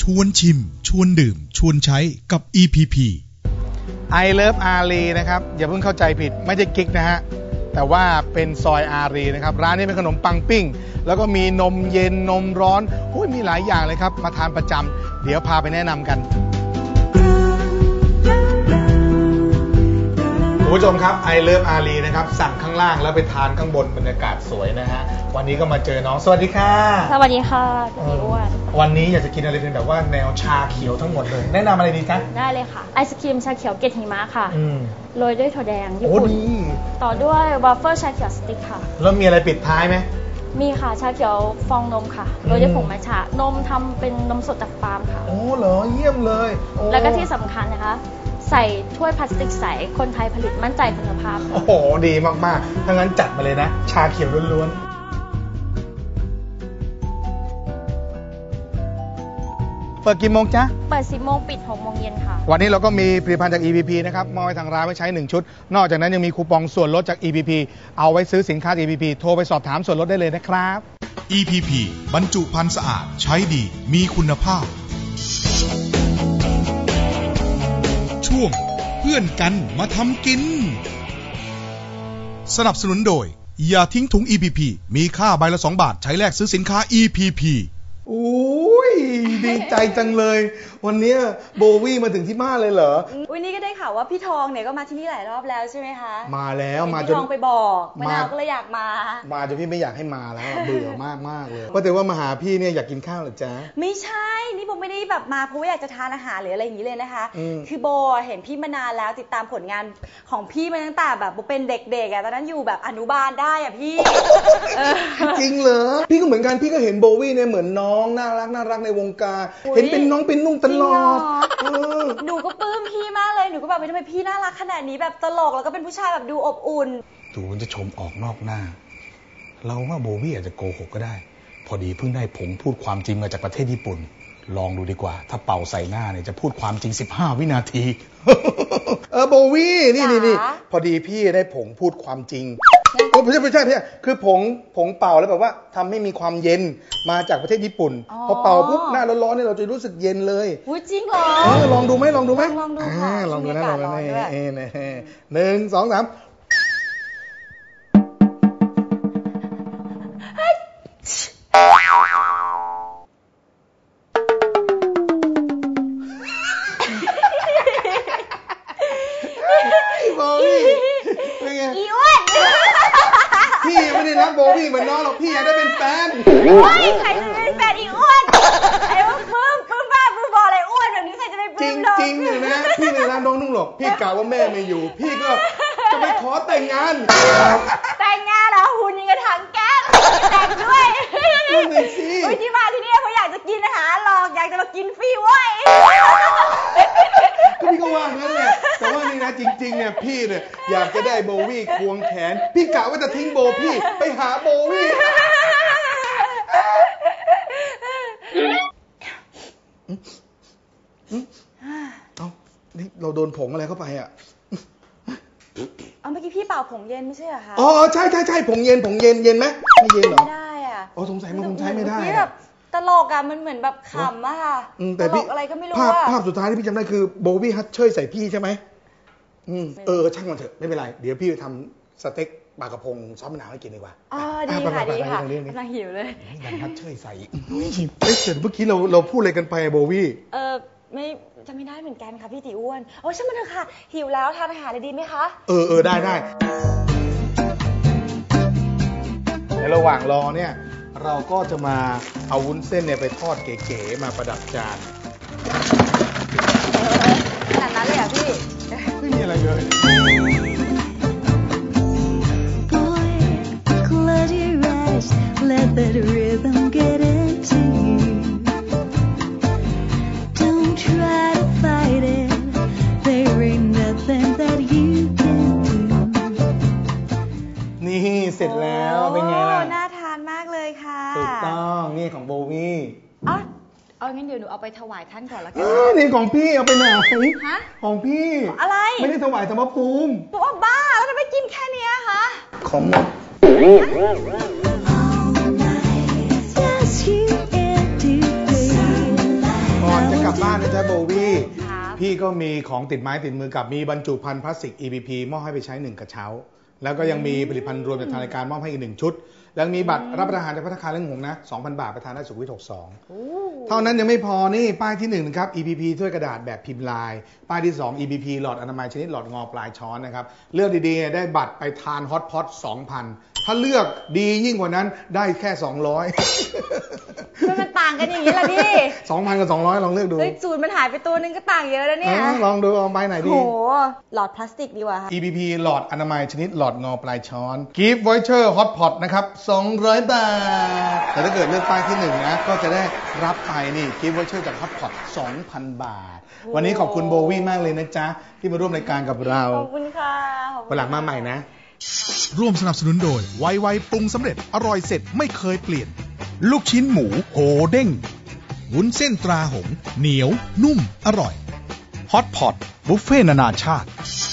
วนชิมชวนดื่มชวนใช้กับ EPP I Love อารีนะครับอย่าเพิ่งเข้าใจผิดไม่ใช่กิ๊กนะฮะแต่ว่าเป็นซอยอารีนะครับร้านนี้เป็นขนมปังปิ้งแล้วก็มีนมเย็นนมร้อนมีหลายอย่างเลยครับมาทานประจำเดี๋ยวพาไปแนะนำกันคุณผู้ชมครับ I Love อารีนะครับสั่งข้างล่างแล้วไปทานข้างบนบรรยากาศสวยนะฮะวันนี้ก็มาเจอน้องสวัสดีค่ะสวัสดีค่ะพี่อ้วนวันนี้อยากจะกินอะไรเป็นแบบว่าแนวชาเขียวทั้งหมดเลยแนะนำอะไรดีคะได้เลยค่ะไอศครีมชาเขียวเกล็ดหิมะค่ะโรยด้วยถั่วแดงญี่ปุ่นต่อด้วยวาฟเฟิลชาเขียวสติ๊กค่ะแล้วมีอะไรปิดท้ายไหมมีค่ะชาเขียวฟองนมค่ะโรยด้วยผงมัทฉะนมทำเป็นนมสดจากฟาร์มค่ะโอ้เหรอเยี่ยมเลยแล้วก็ที่สำคัญนะคะใส่ถ้วยพลาสติกใสคนไทยผลิตมั่นใจคุณภาพโอ้โหดีมากๆถ้างั้นจัดมาเลยนะชาเขียวล้วนๆเปิดกี่โมงจ๊ะเปิด10 โมงปิด6 โมงเย็นค่ะวันนี้เราก็มีผลิตภัณฑ์จาก EPP นะครับมอบให้ทางร้านไว้ใช้1ชุดนอกจากนั้นยังมีคูปองส่วนลดจาก EPP เอาไว้ซื้อสินค้า EPP โทรไปสอบถามส่วนลดได้เลยนะครับ EPP บรรจุภัณฑ์สะอาดใช้ดีมีคุณภาพช่วงเพื่อนกันมาทำกินสนับสนุนโดยอย่าทิ้งถุง EPP มีค่าใบละ2 บาทใช้แลกซื้อสินค้า EPP ดีใจจังเลยวันนี้โบวี่มาถึงที่บ้านเลยเหรอนี่ก็ได้ข่าวว่าพี่ทองเนี่ยก็มาที่นี่หลายรอบแล้วใช่ไหมคะมาแล้วมาจนพี่ทองไปบอกมะนาวก็เลยอยากมาจนพี่ไม่อยากให้มาแล้วเบื่อมากเลยว่าแต่ว่ามาหาพี่เนี่ยอยากกินข้าวหรือจ๊ะไม่ใช่นี่โบไม่ได้แบบมาเพราะว่าอยากจะทานอาหารหรืออะไรอย่างนี้เลยนะคะคือโบเห็นพี่มานานแล้วติดตามผลงานของพี่มาตั้งแต่แบบโบเป็นเด็กๆตอนนั้นอยู่แบบอนุบาลได้พี่จริงเหรอพี่ก็เหมือนกันพี่ก็เห็นโบวี่เนี่ยเหมือนน้องน่ารักในวงการเห็นเป็นน้องเป็นนุ่งตลอดหนูก็ปลื้มพี่มากเลยหนูก็แบบทำไมพี่น่ารักขนาดนี้แบบตลกแล้วก็เป็นผู้ชายแบบดูอบอุ่นดูมันจะชมออกนอกหน้าเราว่าโบวี่อาจจะโกหกก็ได้พอดีเพิ่งได้ผงพูดความจริงมาจากประเทศญี่ปุ่นลองดูดีกว่าถ้าเป่าใส่หน้าเนี่ยจะพูดความจริง15 วินาทีโบวี่นี่พอดีพี่ได้ผงพูดความจริงไม่ใช่คือผงเป่าแล้วแบบว่าทำให้มีความเย็นมาจากประเทศญี่ปุ่นพอเป่าปุ๊บหน้าร้อนๆเนี่ยเราจะรู้สึกเย็นเลยจริงเหรอลองดูไหมลองดูค่ะลองดูนะ1 2 3 อีอ้วนพี่ไม่ได้รักโบวี่เหมือนน้องหรอกพี่อยากได้เป็นแฟนใครจะเป็นแฟนอีอ้วนไอ้ว่าปลื้มบ้าปลื้มบออะไรอ้วนแบบนี้ใครจะไปปลื้มจริงเลยนะพี่ไม่รักน้องนุ่งหรอกพี่กล่าวว่าแม่ไม่อยู่พี่ก็จะไปขอแต่งงานเหรอหุ่นยังกระถังแก๊สแต่งด้วยที่มาที่นี่เพราะอยากจะกินอาหารหรอกอยากจะมากินฟรีเว้ยก็พี่ก็ว่างั้นแหละแต่ว่านี่นะจริงๆเนี่ยพี่เนี่ยอยากจะได้โบวี่ควงแขนพี่กะว่าจะทิ้งโบพี่ไปหาโบวี่นี่เราโดนผงอะไรเข้าไปอ่ะเมื่อกี้พี่เป่าผงเย็นไม่ใช่เหรอคะใช่ผงเย็นเย็นไหมไม่เย็นเหรอไม่ได้อ่ะสงสัยมันคงใช้ไม่ได้พี่แบบตลกอ่ะมันเหมือนแบบขำอะค่ะตลกอะไรก็ไม่รู้ภาพสุดท้ายที่พี่จำได้คือโบวี่ฮัทเชยใส่พี่ใช่ไหมช่างมันเถอะไม่เป็นไรเดี๋ยวพี่ทำสเต็กปลากระพงซอสมะนาวให้กินดีกว่าดีค่ะกำลังหิวเลยดันฮัทเชยใส่เมื่อกี้เราพูดอะไรกันไปโบวี่ไม่จะไม่ได้เหมือนกันค่ะพี่ตีอ้วนช่างมันเถอะค่ะหิวแล้วทานอาหารเลยดีไหมคะได้ในระหว่างรอเนี่ยเราก็จะมาเอาวุ้นเส้นเนี่ยไปทอดเก๋ๆมาประดับจานขนาดนั้นเลยอ่ะพี่ไม่มีอะไรเลย นี่เสร็จแล้วเป็นไงล่ะน่าทานมากเลยค่ะถูกต้องนี่ของโบวี่งั้นเดี๋ยวหนูเอาไปถวายท่านก่อนละกันนี่ของพี่เอาไปไหนของพี่อะไรไม่ได้ถวายธรรมภูมิบอกว่าบ้าแล้วทำไมกินแค่นี้คะของหมดก่อนบบ้านนะจ๊ะโบวี่ครับพี่ก็มีของติดไม้ติดมือกับมีบรรจุภัณฑ์พลาสติก EPP มอบให้ไปใช้1กระเช้าแล้วก็ยังมีผลิตภัณฑ์รวมจากทางรายการมอบให้อีก1ชุดแล้วมีบัตรรับประทานจากภัตตาคารเรื่องหงนะ 2,000 บาทไปทานได้สุขวิท62เท่านั้นยังไม่พอนี่ป้ายที่1นะครับ EPP ถ้วยกระดาษแบบพิมพ์ลายป้ายที่2 EPP หลอดอนามัยชนิดหลอดงอปลายช้อนนะครับเลือกดีๆได้บัตรไปทานฮอตพอต 2,000 ถ้าเลือกดียิ่งกว่านั้นได้แค่200 มันต่างกันอย่างนี้ล่ะพี่ 2,000 กับ 200ลองเลือกดูสูตรมันหายไปตัวนึงก็ต่างเยอะแล้วเนี่ยลองดูเอาไปไหนดีโหหลอดพลาสติกดีกว่าค่ะ EPP หลอดอนามัยชนิดหลอดงอปลายช้อน Gift Voucher Hot Pot นะครับ200 บาทแต่ถ้าเกิดเลือกป้ายที่1นะก็จะได้รับไปนี่ Gift Voucher จาก Hot Pot 2,000 บาทวันนี้ขอบคุณโบวี่มากเลยนะจ๊ะที่มาร่วมรายการกับเราขอบคุณค่ะวันหลังมาใหม่นะร่วมสนับสนุนโดยไวๆปรุงสำเร็จอร่อยเสร็จไม่เคยเปลี่ยนลูกชิ้นหมูโหเด้งวุ้นเส้นตราหงส์เหนียวนุ่มอร่อยฮอตพอตบุฟเฟ่ต์นานาชาติ